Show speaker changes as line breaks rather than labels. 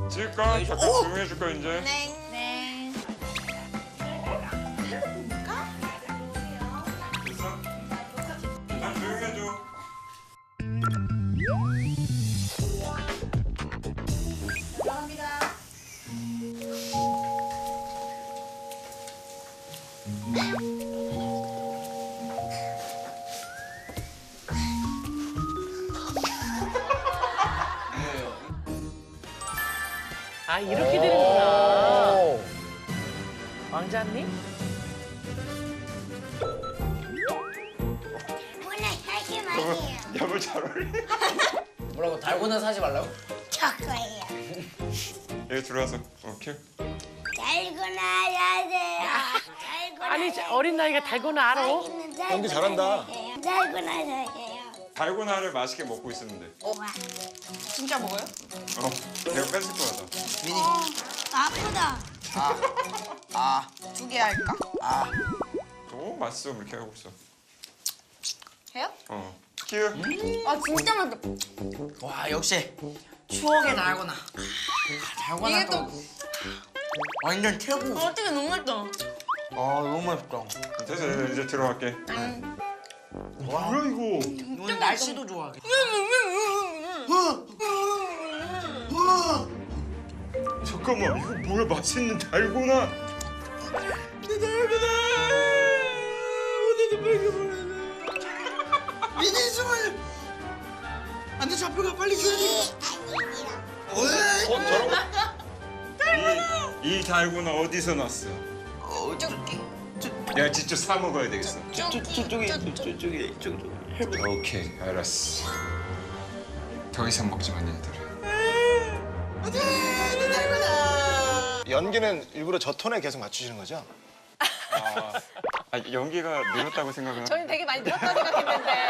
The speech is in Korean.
찍을까? 잠깐 조용히 해줄까 이제?
네.
됐어? 난 조용히 해줘.
감사합니다.
아 이렇게 되는구나. 왕자님?
오늘 사지 마세요.
야물 잘 어울려.
뭐라고 달고나 사지 말라고?
저 거예요.
여기 들어와서 오케이.
달고나 사세요. 달고나
아니 어린 나이가 달고나 알아?
연기
잘한다.
달고나 사세요.
달고나를 맛있게 먹고 있었는데.
와.
진짜 먹어요?
내가 뺏을 거야.
아프다.
두 개 할까?
오 맛있어 이렇게 하고 있어.
해요?
키우.
아 진짜 맛있다.
와 역시 추억의 달고나. 달고나
이게 또
완전 최고.
어떻게 너무 맛있다.
아 너무 맛있다.
됐어 이제 들어갈게. 뭐야 이거?
오늘 날씨도 좋아.
잠깐만 이거 뭐야 맛있는 달고나.
내 달고나. 오늘도 먹여버렸네. 미니스물. 안돼 잡혀가 빨리 줘야 돼.
이 달고나 어디서 났어?
쭈끼.
내가 직접 사 먹어야 되겠어.
저쪽에.
오케이 알았어. 더 이상 먹지 마 얘들아.
연기는 일부러 저 톤에 계속 맞추시는 거죠?
연기가 늘었다고 생각은.
저희는 되게 많이 늘었다고 생각했는데.